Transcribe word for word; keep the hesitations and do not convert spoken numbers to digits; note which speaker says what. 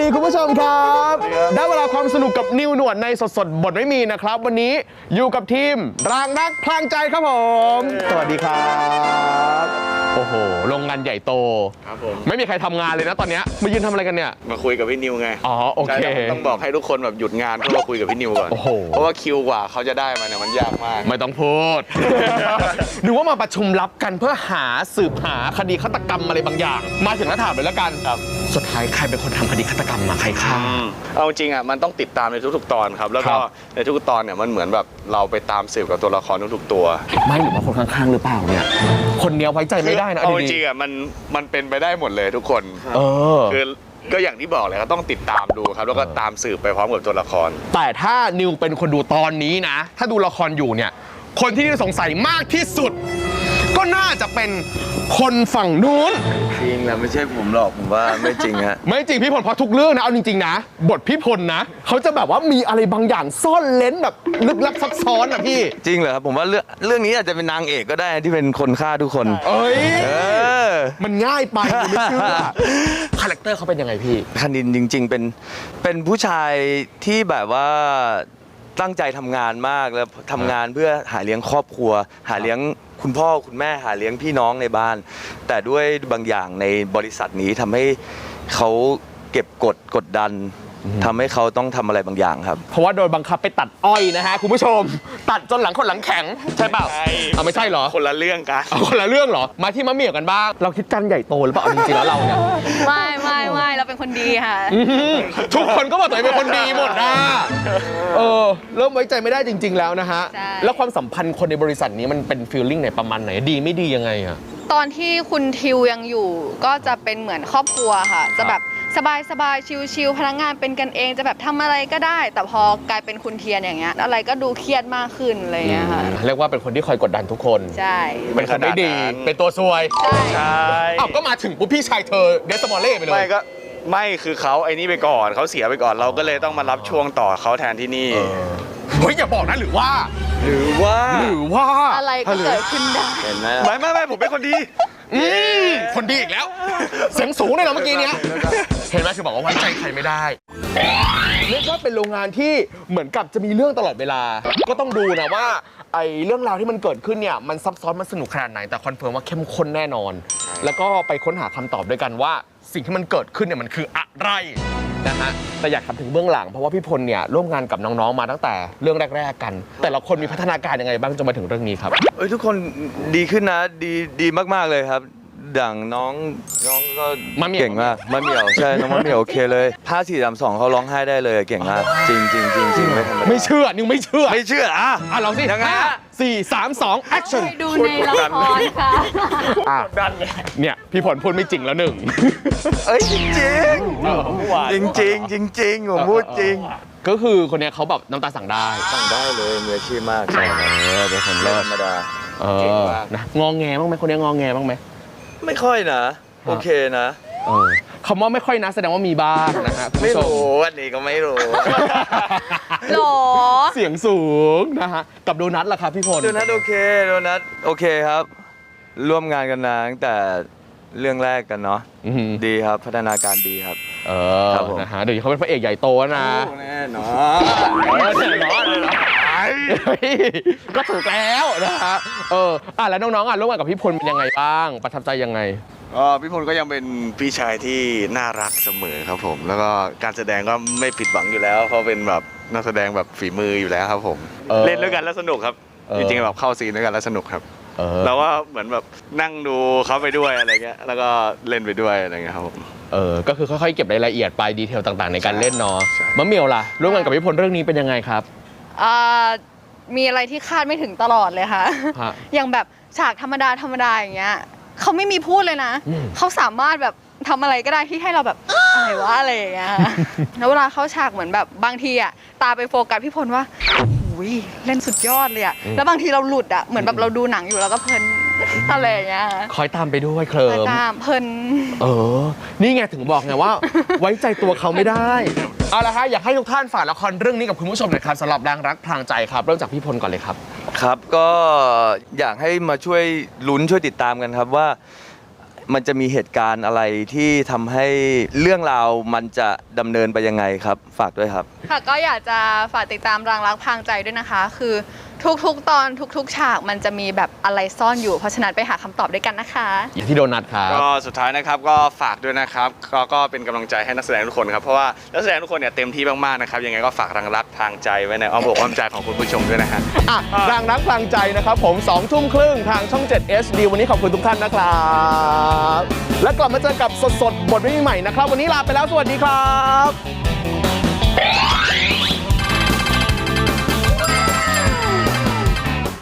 Speaker 1: คุณผู้ชมครับได้เวลาความสนุกกับนิวหนวดในสดสดบทไม่มีนะครับวันนี้อยู่กับทีมรางรักพลางใจครับผมสวัสดีครับโอ้โหโรงงานใหญ่โต
Speaker 2: ครับผม
Speaker 1: ไม่มีใครทำงานเลยนะตอนนี้มายืนทำอะไรกันเนี่ย
Speaker 2: มาคุยกับพี่นิวไง
Speaker 1: อ๋อโอเค
Speaker 2: ต้องบอกให้ทุกคนแบบหยุดงานเพื่อมาคุยกับพี่นิวก่อนเพราะว่าคิวกว่าเขาจะได้มาเนี่ยมันยากมาก
Speaker 1: ไม่ต้องพูดหรือว่ามาประชุมลับกันเพื่อหาสืบหาคดีฆาตกรรมอะไรบางอย่างมาถึงแล้วถามเลยแล้วกัน
Speaker 2: ครับ
Speaker 1: สุดท้ายใครเป็นคนทำคดีฆาตกรรมมาใครฆ่า
Speaker 2: เอาจริงอ่ะมันต้องติดตามในทุกๆตอนครับแล้วก็ในทุกๆตอนเนี่ยมันเหมือนแบบเราไปตามสืบกับตัวละครทุกๆตัว
Speaker 1: ไม่หรือว่าคนข้างๆหรือเปล่าเนี่ยคนเนี้ยไว้ใจไม่ได้นะ
Speaker 2: เอาจริงอ่ะมันมันเป็นไปได้หมดเลยทุกคน
Speaker 1: เออ
Speaker 2: คือก็อย่างที่บอกเลยก็ต้องติดตามดูครับแล้วก็ตามสืบไปพร้อมกับตัวละคร
Speaker 1: แต่ถ้านิวเป็นคนดูตอนนี้นะถ้าดูละครอยู่เนี่ยคนที่นิวสงสัยมากที่สุดก็น่าจะเป็นคนฝั่งนู้น
Speaker 2: จริงนะไม่ใช่ผมหรอกผมว่าไม่จริงฮะ
Speaker 1: ไม่จริงพี่พลเพราะทุกเรื่องนะเอาจริงๆนะบทพี่พลนะเขาจะแบบว่ามีอะไรบางอย่างซ่อนเล้นแบบลึกลับซับซ้อนอะพี่
Speaker 3: จริงเหรอครับผมว่าเรื่องเรื่องนี้อาจจะเป็นนางเอกก็ได้ที่เป็นคนฆ่าทุกคน
Speaker 1: เอ้ย
Speaker 3: เออ
Speaker 1: มันง่ายไปไม่เชื่อคาแรคเตอร์เขาเป็นยังไงพี่
Speaker 3: คณินจริงๆเป็นเป็นผู้ชายที่แบบว่าตั้งใจทำงานมากแล้วทำงานเพื่อหาเลี้ยงครอบครัวหาเลี้ยงคุณพ่อคุณแม่หาเลี้ยงพี่น้องในบ้านแต่ด้วยบางอย่างในบริษัทนี้ทำให้เขาเก็บกดกดดันทำให้เขาต้องทำอะไรบางอย่างครับ
Speaker 1: เพราะว่าโดนบังคับไปตัดอ้อยนะฮะคุณผู้ชมตัดจนหลังคนหลังแข็งใช่เปล่าเอาไม่ใช่เหรอ
Speaker 2: คนละเรื่องกัน
Speaker 1: คนละเรื่องเหรอมาที่มะเหมี่ยวกันบ้างเราคิดกันใหญ่โตหรือเปล่าจริงๆแล้วเราเนี่ย
Speaker 4: ไม่ไม่ไม่เราเป็นคนดีค่ะ
Speaker 1: ทุกคนก็บอกตัวเองเป็นคนดีหมดนะเออเริ่มไว้ใจไม่ได้จริงๆแล้วนะฮะแล้วความสัมพันธ์คนในบริษัทนี้มันเป็นฟีลลิ่งไหนประมาณไหนดีไม่ดียังไงอะ
Speaker 4: ตอนที่คุณทิวยังอยู่ก็จะเป็นเหมือนครอบครัวค่ะจะแบบสบายสบายชิลๆพนักงานเป็นกันเองจะแบบทำอะไรก็ได้แต่พอกลายเป็นคุณเทียนอย่างเงี้ยอะไรก็ดูเครียดมากขึ้นอะไรเงี้ยค่ะ
Speaker 1: เรียกว่าเป็นคนที่คอยกดดันทุกคน
Speaker 4: ใช่
Speaker 1: เป็นคนไม่ดีเป็นตัวซวย
Speaker 4: ใช่
Speaker 1: อ้าวก็มาถึงปุ๊บพี่ชายเธอเดสมอลเล่ไปเลย
Speaker 2: ไม่ก็ไม่คือเขาไอ้นี่ไปก่อนเขาเสียไปก่อนเราก็เลยต้องมารับช่วงต่อเขาแทนที่นี่
Speaker 1: เฮ้ยอย่าบอกนะหรือว่า
Speaker 2: หรือว่า
Speaker 1: หรือว่า
Speaker 4: อะไรก็เกิดขึ้นได้
Speaker 2: เห็นไหมไม่ไม่ไม่ผมเป็นคนดี
Speaker 1: คนดีอีกแล้วเสียงสูงเลยเหรอเมื่อกี้เนี้ยเห็นไหมคือบอกว่าไว้ใจใครไม่ได้เรียกว่าเป็นโรงงานที่เหมือนกับจะมีเรื่องตลอดเวลาก็ต้องดูนะว่าไอ้เรื่องราวที่มันเกิดขึ้นเนี่ยมันซับซ้อนมันสนุกขนาดไหนแต่คอนเฟิร์มว่าเข้มข้นแน่นอนแล้วก็ไปค้นหาคำตอบด้วยกันว่าสิ่งที่มันเกิดขึ้นเนี่ยมันคืออะไรนะฮะแต่อยากถามถึงเบื้องหลังเพราะว่าพี่พลเนี่ยร่วมงานกับน้องๆมาตั้งแต่เรื่องแรกๆกันแต่ละคนมีพัฒนาการยังไงบ้างจนมาถึงเรื่องนี้ครับ
Speaker 3: เอ้ยทุกคนดีขึ้นนะดีดีมากๆเลยครับดั่งน้องน้องก็เก่งมากมะเหมี่ยวใช่น้องมะเหมี่ยวโอเคเลยห้าสี่สามสองเขาร้องไห้ได้เลยเก่งมากจริงจริงจริงจริงไม่ธรรมดา
Speaker 1: ไม่เชื่อนิวไม่เชื่อ
Speaker 3: ไม่เชื่ออ่ะ
Speaker 1: อ่ะลองสิ
Speaker 3: ยังไง
Speaker 1: สี่สามสองแอคชั่น
Speaker 4: ดูในละครค่ะ
Speaker 1: ดันเนี่ยพี่ผลพูดไม่จริงแล้วหนึ่ง
Speaker 3: เอ้ยจริงจริงจริงจริงจริงจริงผมพูดจริง
Speaker 1: ก็คือคนนี้เขาแบบน้ำตาสั่งได้
Speaker 3: สั่งได้เลยมืออาชีพมากใช่เป็นคนเลิศธรรมดา
Speaker 1: เก่งมากนะงอแงบ้างไหมคนนี้งอแงบ้างไหม
Speaker 3: ไม่ค่อยนะโอเคนะ
Speaker 1: คำว่าไม่ค่อยนะแสดงว่ามีบ้างนะฮะ
Speaker 3: ไม่รู้อันนี้ก็ไม่รู้
Speaker 4: หรอ
Speaker 1: เสียงสูงนะฮะกับโดนัทล่ะครับพี่พล
Speaker 3: โดนัทโอเคโดนัทโอเคครับร่วมงานกันนานตั้งแต่เรื่องแรกกันเนาะดีครับพัฒนาการดีครับ
Speaker 1: เออนะฮะเดี๋ยวเขาเป็นพระเอกใหญ่โตนะ
Speaker 3: แน่นอน
Speaker 1: แน่นอนเลยนะก็ถูกแล้วนะฮะเอออ่ะแล้วน้องๆอ่ะร่วมงานกับพี่พลเป็นยังไงบ้างประทับใจยังไง
Speaker 2: อ๋อพี่พลก็ยังเป็นพี่ชายที่น่ารักเสมอครับผมแล้วก็การแสดงก็ไม่ผิดหวังอยู่แล้วเพราะเป็นแบบนักแสดงแบบฝีมืออยู่แล้วครับผมเล่นด้วยกันแล้วสนุกครับจริงๆแบบเข้าซีนด้วยกันแล้วสนุกครับเราก็เหมือนแบบนั่งดูเขาไปด้วยอะไรเงี้ยแล้วก็เล่นไปด้วยอะไรเงี้ยครับผม
Speaker 1: เออก็คือค่อยๆเก็บรายละเอียดไปดีเทลต่างๆในการเล่นเนาะมะเหมี่ยวล่ะร่วมงานกับพี่พลเรื่องนี้เป็นยังไงครับ
Speaker 4: อ่ามีอะไรที่คาดไม่ถึงตลอดเลยค่ะอย่างแบบฉากธรรมดาธรรมดาอย่างเงี้ยเขาไม่มีพูดเลยนะเขาสามารถแบบทำอะไรก็ได้ที่ให้เราแบบอะไรวะอะไรอย่างเงี้ยแล้วเวลาเข้าฉากเหมือนแบบบางทีอ่ะตาไปโฟกัสพี่พลว่าอุ้ยเล่นสุดยอดเลยอ่ะแล้วบางทีเราหลุดอ่ะเหมือนแบบเราดูหนังอยู่แล้วก็เพลินอะไรอย่างเงี้ย
Speaker 1: คอยตามไปด้วยเคลิ้ม
Speaker 4: ตามเพลิน
Speaker 1: เออนี่ไงถึงบอกไงว่าไว้ใจตัวเขาไม่ได้เอาละฮะอยากให้ทุกท่านฝากละครเรื่องนี้กับคุณผู้ชมหน่อยครับสำหรับรางรักพลางใจครับเริ่มจากพี่พลก่อนเลยครับ
Speaker 3: ครับก็อยากให้มาช่วยลุ้นช่วยติดตามกันครับว่ามันจะมีเหตุการณ์อะไรที่ทำให้เรื่องราวมันจะดำเนินไปยังไงครับฝากด้วยครับ
Speaker 4: ค่ะก็อยากจะฝากติดตามรางรักพรางใจด้วยนะคะ คือทุกๆตอนทุกๆฉากมันจะมีแบบอะไรซ่อนอยู่เพราะฉะนั้นไปหาคำตอบด้วยกันนะคะ
Speaker 1: ที่โดนัทครับ
Speaker 2: ก็สุดท้ายนะครับก็ฝากด้วยนะครับก็ก็เป็นกำลังใจให้นักแสดงทุกคนครับเพราะว่านักแสดงทุกคนเนี่ยเต็มที่มากๆนะครับยังไงก็ฝากรางรักพรางใจไว้ในอ้อมอกอ้อมใจของคุณผู้ชมด้วยนะฮะ
Speaker 1: อ่ะรางรักพรางใจนะครับผมสองทุ่มครึ่งทางช่องเจ็ด เอช ดี วันนี้ขอบคุณทุกท่านนะครับและกลับมาเจอกับสดๆบทใหม่ๆนะครับวันนี้ลาไปแล้วสวัสดีครับ